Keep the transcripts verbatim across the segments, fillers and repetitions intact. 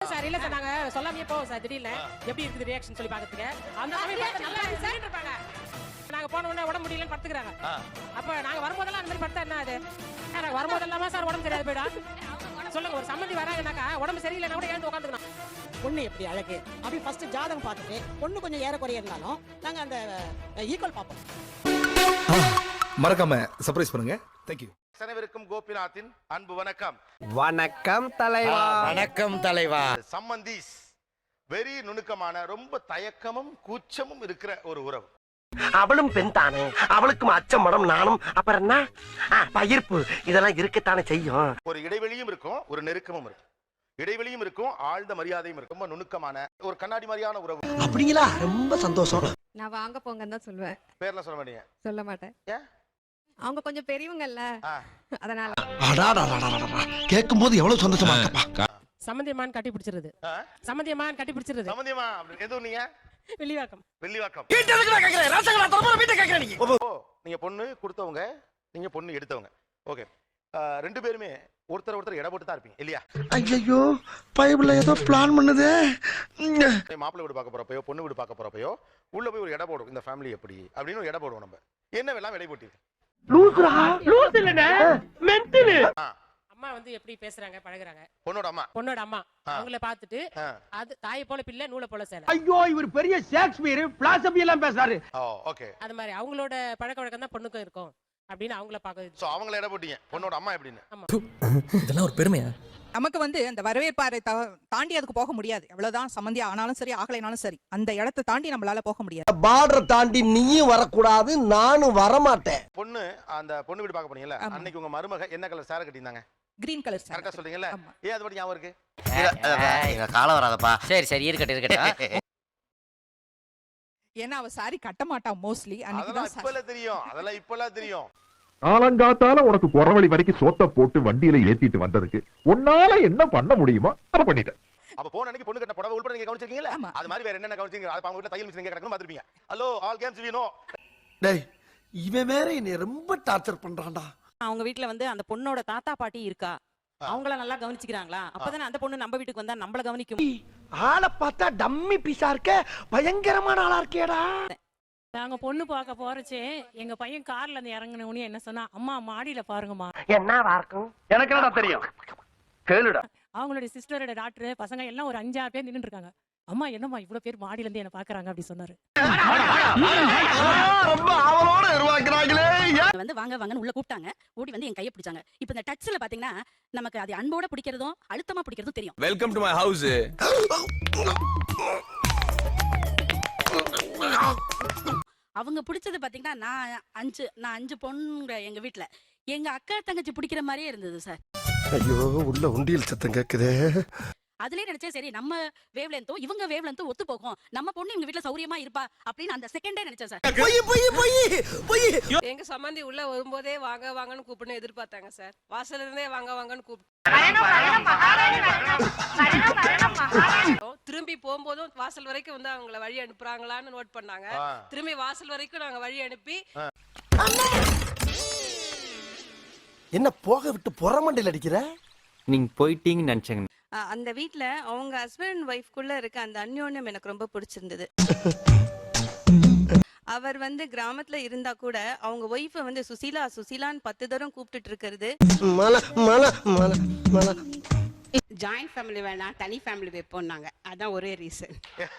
Sir இல்ல sir நாங்க சொல்லாமே போவோம் சார் திடீர்னு எப்படி இருக்குது ரியாக்ஷன் சொல்லி பாக்கிறதுக்கு அந்த சமயம் பார்த்தா நல்லா இருக்கு இருப்பாங்க. நாங்க போன உடனே உடம்பு முடியலன்னு படுத்துக்கறாங்க. அப்ப நாங்க வரும்போதெல்லாம் அந்த மாதிரி படுத்தா என்ன ஆகுது? நாங்க வரும்போதெல்லாம் சார் உடம்பு சரியாது போய்டா. சொல்லுங்க ஒரு சம்மந்தி வராங்கனாக்கா உடம்பு சரியில்லைனா கூட எழுந்து உட்காந்துக்கணும். பொண்ணு எப்படி அழகு அப்படி ஃபர்ஸ்ட் ஜாதகம் பார்த்துட்டு பொண்ணு கொஞ்சம் ஏற குறைய இருந்தாலும் நாங்க அந்த ஈக்குவல் பார்ப்போம். மறக்காம சர்ப்ரைஸ் பண்ணுங்க. Thank you. அனைவருக்கும் கோபிநாத்தின் அன்பு வணக்கம். வணக்கம் தலைவா. வணக்கம் தலைவா. சம்பந்தீஸ் வெரி நுணுக்கமான ரொம்ப தயக்கமும் கூச்சமும் இருக்கிற ஒரு உறவு. அவளும் பெண் தானே, அவளுக்கும் அச்சம் மடம் நானும் அப்புறம் என்ன பயிர்ப்பு இதெல்லாம் இருக்கத்தானே செய்யும். ஒரு இடைவெளியும் இருக்கும், ஒரு நெருக்கமும் இருக்கும். இடைவெளியும் இருக்கும், ஆழ்ந்த மரியாதையும் இருக்கும். ரொம்ப நுணுக்கமான ஒரு கண்ணாடி மாதிரியான உறவு. அப்படிங்களா? ரொம்ப சந்தோஷம். நான் வாங்க போங்கன்னு தான் சொல்லுவேன். பேர்ல சொல்ல மாட்டீங்க? சொல்ல மாட்டேன். ஏன்? அவங்க கொஞ்சம் பெரியவங்கல்ல, அதனால. கேட்கும் போது எவ்வளவு சந்தோஷமா இருக்குப்பா. சம்மந்தியமான் கட்டி பிடிச்சிருது. சம்மந்தியமான் கட்டி பிடிச்சிருது. சம்மந்தியமா எதுவும் நீங்க வெள்ளிவாக்கம். வெள்ளிவாக்கம். வீட்டுல இருக்கிற கேக்குறேன் ராசங்களா தரமா வீட்டை கேக்குறேன் நீங்க. ஓ நீங்க பொண்ணு கொடுத்தவங்க, நீங்க பொண்ணு எடுத்தவங்க. ஓகே. ரெண்டு பேருமே ஒருத்தர் ஒருத்தர் இட போட்டு தான் இருப்பீங்க இல்லையா? ஐயோ பைபிள்ல ஏதோ பிளான் பண்ணுதே. மாப்பிள்ளை வீடு பார்க்க போறப்பயோ பொண்ணு வீடு பார்க்க போறப்பயோ உள்ள போய் ஒரு இட போடும். இந்த ஃபேமிலி எப்படி அப்படின்னு ஒரு இட போடுவோம். நம்ம என்ன வேலாம் விலை போட்டி லூசுரா லூஸ் இல்லனே மென்டல். அம்மா வந்து எப்படி பேசுறாங்க பழகுறாங்க. பொண்ணோட அம்மா பொண்ணோட அம்மா அவங்கள பார்த்துட்டு அது தாயை போல பிள்ளை நூலை போல சேலை. ஐயோ இவர் பெரிய ஷேக்ஸ்பியர் பிலாசபி எல்லாம் பேசுறாரு. ஓகே. அது மாதிரி அவங்களோட பழக்க வழக்கம் தான் பொண்ணுக்கும் இருக்கும் அப்படின்னு அவங்கள பார்க்க. சோ அவங்கள இட போட்டீங்க பொண்ணோட அம்மா எப்படின்னு. இதெல்லாம் ஒரு பெருமையா? நமக்கு வந்து அந்த வரவேற்பாரை தாண்டி அதுக்கு போக முடியாது. எவ்வளவுதான் சம்மந்தியா ஆனாலும் சரி ஆகலைனாலும் சரி அந்த இடத்தை தாண்டி நம்மளால போக முடியாது. பார்டர் தாண்டி நீயும் வரக்கூடாது, நானும் வரமாட்டேன். பொண்ணு அந்த பொண்ணு வீடு பார்க்க போனீங்கல்ல, அன்னைக்கு உங்க மருமக என்ன கலர் சாரி கட்டியிருந்தாங்க? Green colour sari. கரெக்டா சொல்றீங்கல்ல? ஏன் அது பத்தி ஞாபகம் இருக்கு? இங்க காலம் வராதப்பா. சரி சரி இருக்கட்டும் இருக்கட்டும். ஏன்னா அவ சாரி கட்ட மாட்டா மோஸ்ட்லி. அன்னைக்கு தான் இப்பல தெரியும். அதெல்லாம் இப்பலாம் தெரியும். காலங்காத்தால உனக்கு குறவழி வரைக்கும் சோத்த போட்டு வண்டியில ஏத்திட்டு வந்ததுக்கு உன்னால என்ன பண்ண முடியுமோ அதை பண்ணிட்டேன். அப்ப போன அன்னைக்கு பொண்ணு கட்ட புடவை உள்பட நீங்க கவனிச்சிருக்கீங்களா? அது மாதிரி வேற என்னென்ன கவனிச்சீங்க? அது அவங்க வீட்ல தையல் மிஷின் எங்க கிடக்குன்னு பாத்துருப்பீங்க. Hello all games we know. டேய் இவன் வேற என்னை ரொம்ப டார்ச்சர் பண்றான்டா. அவங்க வீட்ல வந்து அந்த பொண்ணோட தாத்தா பாட்டி இருக்கா, அவங்கள நல்லா கவனிச்சுக்கிறாங்களா? அப்பதானே அந்த பொண்ணு நம்ம வீட்டுக்கு வந்தா நம்மள கவனிக்கும். ஆளை பார்த்தா டம்மி பீஸா இருக்க, பயங்கரமான ஆளா இருக்கேடா. நாங்க பொண்ணு பார்க்க போறச்சே எங்க பையன் கார்ல இருந்து இறங்கினவனே என்ன சொன்னா, அம்மா மாடியில பாருங்கம்மா. என்னவா இருக்கும் எனக்கு என்னடா தெரியும், கேளுடா. அவங்களுடைய சிஸ்டரோட டாக்டர் பசங்க எல்லாம் ஒரு அஞ்சாறு பேர் நின்னுட்டு இருக்காங்க. அம்மா என்னம்மா இவ்வளவு பேர் மாடியில இருந்து என்ன பாக்குறாங்க அப்படி சொன்னாரு. ரொம்ப ஆவலோட உருவாக்குறாங்களே. வந்து வாங்க வாங்கன்னு உள்ள கூப்பிட்டாங்க. ஓடி வந்து என் கையை பிடிச்சாங்க. இப்போ இந்த டச்ல பாத்தீங்கன்னா நமக்கு அது அன்போட பிடிக்கிறதும் அழுத்தமா பிடிக்கிறதும் தெரியும். Welcome to my house. அவங்க பிடிச்சது பாத்தீங்கன்னா நான் அஞ்சு நான் அஞ்சு பொண்ணுங்க எங்க வீட்டுல. எங்க அக்கா தங்கச்சி பிடிக்கிற மாதிரியே இருந்தது சார். ஐயோ உள்ள உண்டியல் சத்தம் கேக்குதே. அதுலயே நினைச்சேன் சரி நம்ம வேவ் லென்த்தோ இவங்க வேவ் லென்த்தோ ஒத்து போகும், நம்ம பொண்ணு இவங்க வீட்டுல சௌரியமா இருப்பா அப்படின்னு அந்த செகண்டே நினைச்சேன் சார். போய் போய் போய் போய் எங்க சம்மந்தி உள்ள வரும்போதே வாங்க வாங்கன்னு கூப்பிட்டு எதிர்பார்த்தாங்க சார். வாசல்ல இருந்தே வாங்க வாங்கன்னு கூப்பிட்டு திரும்பி போகும்போதும் வாசல் வரைக்கும் வந்து அவங்கள வழி அனுப்புறாங்களான்னு நோட் பண்ணாங்க. திரும்பி வாசல் வரைக்கும் நாங்க வழி அனுப்பி என்ன போக விட்டு புறமண்டையில் அடிக்கிற? நீங்க போயிட்டீங்கன்னு நினைச்சேங்க. அந்த வீட்ல அவங்க ஹஸ்பண்ட் ஒய்ஃப்குள்ள இருக்க அந்த அந்யோன்யம் எனக்கு ரொம்ப பிடிச்சிருந்தது. அவர் வந்து கிராமத்துல இருந்தா கூட அவங்க ஒய்ஃப வந்து சுசீலா சுசீலான்னு பத்து தரம் கூப்பிட்டுட்டு இருக்கிறது. ஜாயிண்ட் ஃபேமிலி வேணாம் தனி ஃபேமிலி வைப்போம்னாங்க. அதான் ஒரே ரீசன்.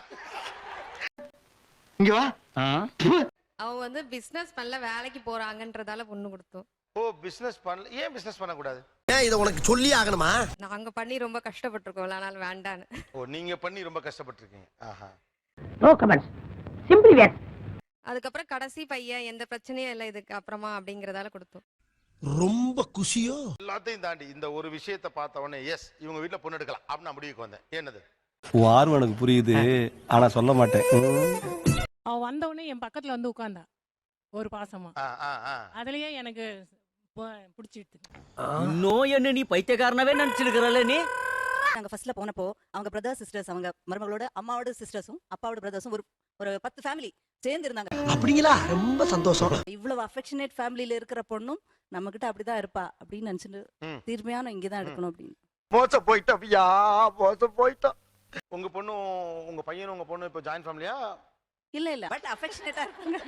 இங்க வா. அவங்க வந்து பிசினஸ் பண்ணல வேலைக்கு போறாங்கன்றதால பொண்ணு கொடுத்தோம். ஓ பிசினஸ் பண்ணல. ஏன் பிசினஸ் பண்ண கூடாது? ஏன் இத உனக்கு சொல்லி ஆகணுமா? நாங்க பண்ணி ரொம்ப கஷ்டப்பட்டிருக்கோம், அதனால வேண்டான்னு. ஓ நீங்க பண்ணி ரொம்ப கஷ்டப்பட்டிருக்கீங்க. ஆஹா. No comments. Simply where. அதுக்கப்புறம் கடைசி பையன் எந்த பிரச்சனையும் இல்லை இதுக்கு அப்புறமா அப்படிங்கறதால கொடுத்தோம். ரொம்ப குஷியோ. எல்லாத்தையும் தாண்டி இந்த ஒரு விஷயத்தை பார்த்த உடனே எஸ் இவங்க வீட்டுல பொண்ணு எடுக்கலாம் அப்படின்னு நான் முடிவுக்கு வந்தேன். என்னது? வார்வ எனக்கு புரியுது, ஆனா சொல்ல மாட்டேன். அவ வந்த உடனே என் பக்கத்துல வந்து உட்கார்ந்தா ஒரு பாசமா. அதுலயே எனக்கு பிடிச்சிட்டு. இன்னும் என்ன நீ பைத்தியக்காரனாவே நினைச்சிருக்கிறல்ல நீ? நாங்க ஃபர்ஸ்ட்ல போனப்போ அவங்க பிரதர் சிஸ்டர்ஸ், அவங்க மருமகளோட அம்மாவோட சிஸ்டர்ஸும் அப்பாவோட பிரதர்ஸும் ஒரு ஒரு பத்து ஃபேமிலி சேர்ந்து இருந்தாங்க. அப்படிங்களா? ரொம்ப சந்தோஷம். இவ்வளவு அஃபெக்ஷனேட் ஃபேமிலியில இருக்கிற பொண்ணும் நம்ம கிட்ட அப்படிதான் இருப்பா அப்படின்னு நினைச்சிட்டு தீர்மையான இங்கதான் எடுக்கணும் அப்படின்னு மோசம் போயிட்டோம் ஐயா, மோசம் போயிட்டோம். உங்க பொண்ணும் உங்க பையனும் உங்க பொண்ணு இப்போ ஜாயின் ஃபேமிலியா? இல்ல இல்ல பட் அஃபெக்ஷனேட்டா இருக்காங்க.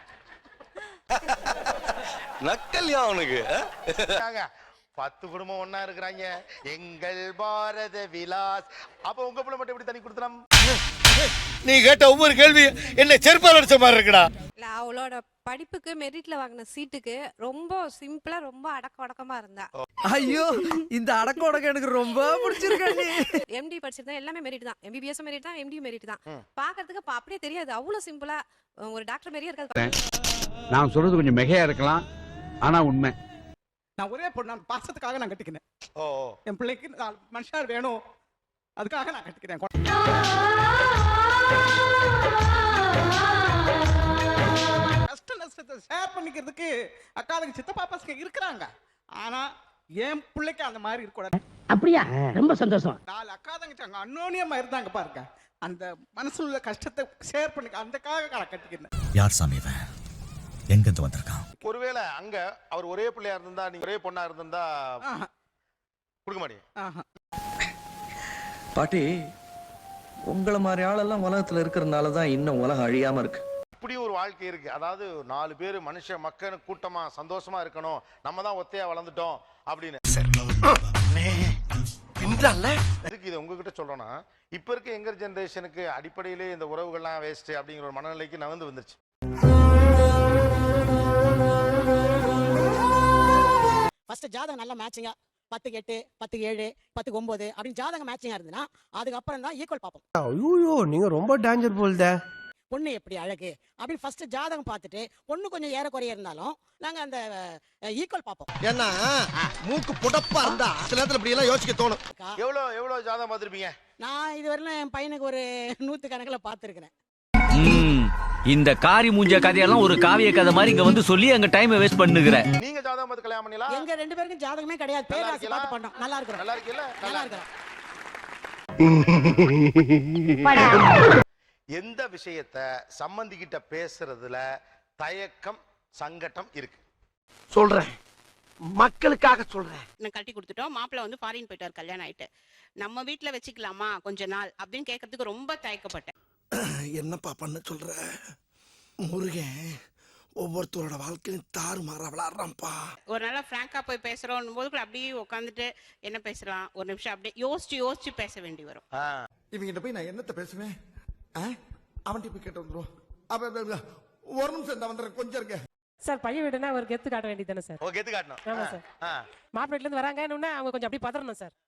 நக்கல்யா அவனுக்கு பத்து குடும்பம் ஒண்ணா இருக்கிறாங்க, எங்கள் பாரத விலாஸ். அப்ப உங்க பிள்ளை மட்டும் எப்படி தனி கொடுத்தலாம்? நீ கேட்ட ஒவ்வொரு கேள்வி என்ன செருப்பால் அடிச்ச மாதிரி இருக்குடா. இல்ல அவளோட படிப்புக்கு மெரிட்ல வாங்கின சீட்டுக்கு ரொம்ப சிம்பிளா ரொம்ப அடக்க அடக்கமா இருந்தா. ஐயோ இந்த அடக்க உடக்க எனக்கு ரொம்ப பிடிச்சிருக்கு. எம்டி படிச்சிருந்தா எல்லாமே மெரிட் தான், எம்பிபிஎஸ் மெரிட் தான், எம்டி மெரிட் தான். பாக்குறதுக்கு அப்ப அப்படியே தெரியாது, அவ்வளவு சிம்பிளா ஒரு டாக்டர் மாதிரியே இருக்காது. நான் சொல்றது கொஞ்சம் மிகையா இருக்கலாம், ஆனா உண்மை. நான் ஒரே பொண்ணு, பாசத்துக்காக நான் கட்டிக்கினேன். ஓ என் பிள்ளைக்கு மனுஷார் வேணும், அதுக்காக நான் கட்டிக்கிறேன். கஷ்ட நஷ்டத்தை ஷேர் பண்ணிக்கிறதுக்கு அக்காளுக்கு சித்தப்பா பசங்க இருக்கிறாங்க. ஆனா என் பிள்ளைக்கு அந்த மாதிரி இருக்கக்கூடாது. அப்படியா? ரொம்ப சந்தோஷம். நாலு அக்கா தங்கச்சி அங்க அன்னோனியமா இருந்தாங்க பாருங்க, அந்த மனசுல உள்ள கஷ்டத்தை ஷேர் பண்ணிக்க அந்தக்காக நான் கட்டிக்கிறேன். யார் சாமி இவன்? எங்க இருந்து வந்திருக்கான்? ஒருவேளை அங்க அவர் ஒரே பிள்ளையா இருந்தா, நீங்க ஒரே பொண்ணா இருந்தா கொடுக்க மாட்டீங்க? பாட்டி உங்களை மாதிரி ஆளெல்லாம் உலகத்துல இருக்கிறதுனால தான் இன்னும் உலகம் அழியாம இருக்கு. இப்படி ஒரு வாழ்க்கை இருக்கு. அதாவது நாலு பேர் மனுஷ மக்கள் கூட்டமா சந்தோஷமா இருக்கணும், நம்ம தான் ஒத்தையா வளர்ந்துட்டோம் அப்படின்னு. இதுக்கு இதை உங்ககிட்ட சொல்றோம்னா, இப்ப இருக்க எங்கர் ஜெனரேஷனுக்கு அடிப்படையிலே இந்த உறவுகள்லாம் வேஸ்ட் அப்படிங்கிற ஒரு மனநிலைக்கு நகர்ந்து வந்துருச்சு. ஃபர்ஸ்ட் ஜாதகம் நல்ல மேட்சிங்கா பத்துக்கு எட்டு, பத்துக்கு ஏழு, பத்துக்கு ஒன்பது அப்படின்னு ஜாதகம் மேட்சிங்கா இருந்ததுன்னா அதுக்கப்புறம் தான் ஈக்குவல் பார்ப்போம். ஐயோ நீங்க ரொம்ப டேஞ்சர் போல்தே. பொண்ணு எப்படி அழகு அப்படின்னு ஃபர்ஸ்ட் ஜாதகம் பார்த்துட்டு பொண்ணு கொஞ்சம் ஏறக்குறைய இருந்தாலும் நாங்க அந்த ஈக்குவல் பார்ப்போம். ஏன்னா மூக்கு புடப்பா இருந்தா சில நேரத்துல இப்படி எல்லாம் யோசிக்க தோணும். எவ்வளவு எவ்வளவு ஜாதகம் பார்த்திருப்பீங்க? நான் இதுவரையிலும் என் பையனுக்கு ஒரு நூத்து கணக்கில் பார்த்துருக்கிறேன். இந்த காரி மூஞ்ச கதையெல்லாம் ஒரு காவிய கதை மாதிரி இங்க வந்து சொல்லி அங்க டைம் வேஸ்ட் பண்ணுகிற. நீங்க ஜாதகம் பார்த்து கல்யாணம் பண்ணீங்களா? எங்க ரெண்டு பேருக்கும் ஜாதகமே கிடையாது, பேராசி பார்த்து பண்ணோம். நல்லா இருக்கிறோம். நல்லா இருக்கீல்ல? நல்லா இருக்கிறோம். எந்த விஷயத்தை சம்பந்திக்கிட்ட பேசுறதுல தயக்கம் சங்கடம் இருக்கு? சொல்றேன், மக்களுக்காக சொல்றேன். நான் கட்டி கொடுத்துட்டோம், மாப்பிள்ள வந்து ஃபாரின் போயிட்டார், கல்யாணம் ஆயிட்டு. நம்ம வீட்டுல வச்சுக்கலாமா கொஞ்ச நாள் அப்படின்னு கேட்கறதுக்கு ரொம்ப தயக்கப்பட்டேன். என்னப்பா பண்ண சொல்ற? முருகன் ஒவ்வொருத்தரோட வாழ்க்கையும் தாறு மாற விளாடுறான்ப்பா. ஒரு நாளா பிராங்கா போய் பேசுறோம் போது கூட அப்படியே உட்காந்துட்டு என்ன பேசலாம் ஒரு நிமிஷம் அப்படியே யோசிச்சு யோசிச்சு பேச வேண்டி வரும். இவங்கிட்ட போய் நான் என்னத்த பேசுவேன்? அவன்கிட்ட போய் கேட்டு வந்துடும். ஒரு நிமிஷம் இந்த வந்துடுறேன், கொஞ்சம் இருக்க. சார் பையன் வீடுனா ஒரு கெத்து காட்ட வேண்டியது தானே சார்? ஓ கெத்து காட்டணும். ஆமா சார். மாப்பிள்ளை வீட்டுல இருந்து வராங்க இன்னும் அவங்க கொஞ்சம் அப்படியே பதறணும் சார்.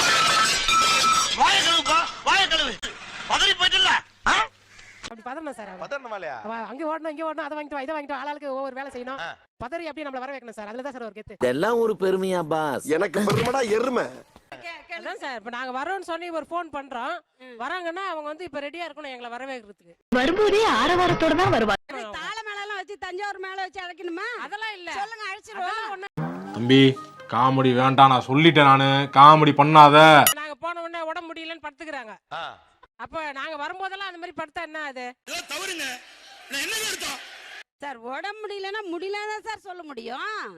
வாய கழுவுப்பா, வாய கழுவு. பதறி போயிட்டல. அப்படி பதறணும் சார். பதறணும் இல்லையா? அங்க ஓடணும் இங்க ஓடணும், அதை வாங்கிட்டு இதை வாங்கிட்டு ஆளாளுக்கு ஒவ்வொரு வேலை செய்யணும். பதறி அப்படியே நம்மள வர வைக்கணும் சார். அதுல தான் சார் ஒரு கெத்து. இதெல்லாம் ஒரு பெருமையா பாஸ்? எனக்கு பெருமைடா எருமை. அதான் சார் இப்ப நாங்க வரோம்னு சொல்லி ஒரு ஃபோன் பண்றோம், வராங்கன்னா அவங்க வந்து இப்ப ரெடியா இருக்கணும் எங்களை வரவேற்கிறதுக்கு. வரும்போதே ஆரவாரத்தோட தான் வருவாங்க. தாள மேல எல்லாம் வச்சு தஞ்சாவூர் மேல வச்சு அழைக்கணுமா? அதெல்லாம் இல்ல. சொல்லுங்க, அழைச்சிருவோம். தம்பி காமெடி வேண்டாம், நான் சொல்லிட்டேன், நானு காமெடி பண்ணாத. நாங்க போன உடனே உடம்பு முடியலன்னு படுத்துக்கிறாங்க. அப்ப நாங்க வரும்போதெல்லாம் அந்த மாதிரி படுத்தா என்ன அது? தவறுங்க. நான் என்ன எடுத்தோம்? சார் உடம்பு முடியலன்னா முடியலன்னு சார் சொல்ல முடியும்.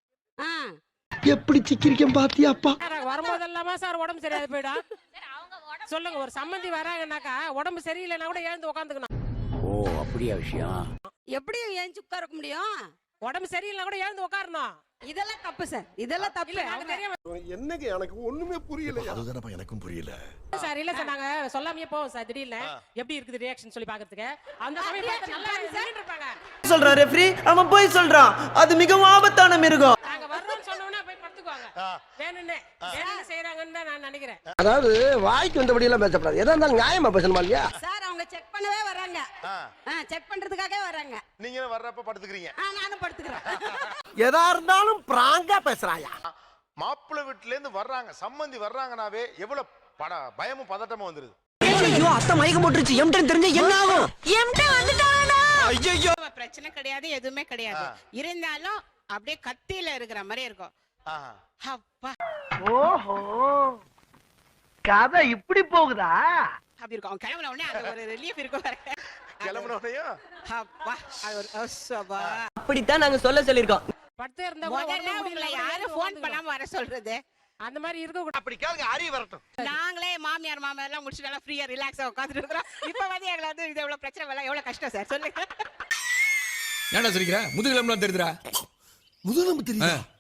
எப்படி சிக்கிரிக்கம் பாத்தியாப்பா? வரும்போதெல்லாமா சார் உடம்பு சரியாது போயிடும்? சொல்லுங்க, ஒரு சம்பந்தி வராங்கன்னாக்கா உடம்பு சரியில்லைன்னா கூட எழுந்து உட்காந்துக்கணும். ஓ அப்படியா விஷயம்? எப்படி ஏஞ்சி உட்கார முடியும்? உடம்பு சரியில்லைன்னா கூட எழுந்து உட்காரணும். இதெல்லாம் தப்பு சார், இதெல்லாம் தப்பு. என்னங்க எனக்கு ஒண்ணுமே புரியல. அதுதானப்பா எனக்கும் புரியல. சார் இல்ல சார், நாங்க சொல்லாமையே போவோம் சார். திடீர்னு எப்படி இருக்குது ரியாக்ஷன் சொல்லி பாக்கிறதுக்கு அந்த சமயம் பார்த்து நல்லா நின்னுட்டு இருப்பாங்க. சொல்றா ரெஃப்ரி, அவன் போய் சொல்றான், அது மிகவும் ஆபத்தான மிருகம். நாங்க வர்றோம்னு சொன்னோம்னா போய் படுத்துக்குவாங்க. வேணும்னே வேணும்னு செய்யறாங்கன்னு தான் நான் நினைக்கிறேன். அதாவது வாய்க்கு வந்தபடி எல்லாம் பேசப்படாது, எதா இருந்தாலும் நியாயமா பேசணுமா இல்லையா? சார் அவங்க செக் பண்ணவே வராங்க, செக் பண்றதுக்காகவே வராங்க. நீங்க வர்றப்ப படுத்துக்கிறீங்க. நானும் படுத்துக்கிறேன். எதா இருந்தாலும் பிராங்கா பேசுறாயா? மாப்பிள்ளை வீட்டுல இருந்து வர்றாங்க, சம்பந்தி வர்றாங்கனாவே எவ்வளவு பட பயமும் பதட்டமும் வந்துருது. ஐயோ அத்தை மயக்கம் போட்டுருச்சு, எம்டன் தெரிஞ்ச என்ன ஆகும்? எம்டன் வந்துட்டானா? ஐயோ பிரச்சனை கிடையாது, எதுவுமே கிடையாது. இருந்தாலும் அப்படியே கத்தியில இருக்கிற மாதிரி இருக்கும். அப்பா ஓஹோ கதை இப்படி போகுதா? அப்படி இருக்கும். அவன் கிளம்புன உடனே அது ஒரு ரிலீஃப் இருக்கும். கிளம்புன உடனேயும் அப்பா அது ஒரு அவசபா. அப்படித்தான் நாங்க சொல்ல சொல்லிருக்கோம். படுத்தே இருந்தா முதல்ல உங்களை யாரு ஃபோன் பண்ணாம வர சொல்றது? அந்த மாதிரி இருக்க கூடாது. அப்படி கேளுங்க, அறிவு வரட்டும். நாங்களே மாமியார் மாமியார் எல்லாம் முடிச்சுட்டு எல்லாம் ஃப்ரீயா ரிலாக்ஸா உட்காந்துட்டு இருக்கிறோம். இப்ப வந்து எங்களை வந்து இது எவ்வளவு பிரச்சனை எல்லாம் எவ்வளவு கஷ்டம் சார் சொல்லுங்க. ஏன்டா சிரிக்கிற? முதுகிலம்லாம் தெரியுதுடா. முதுகெலும்பு தெரியுதா?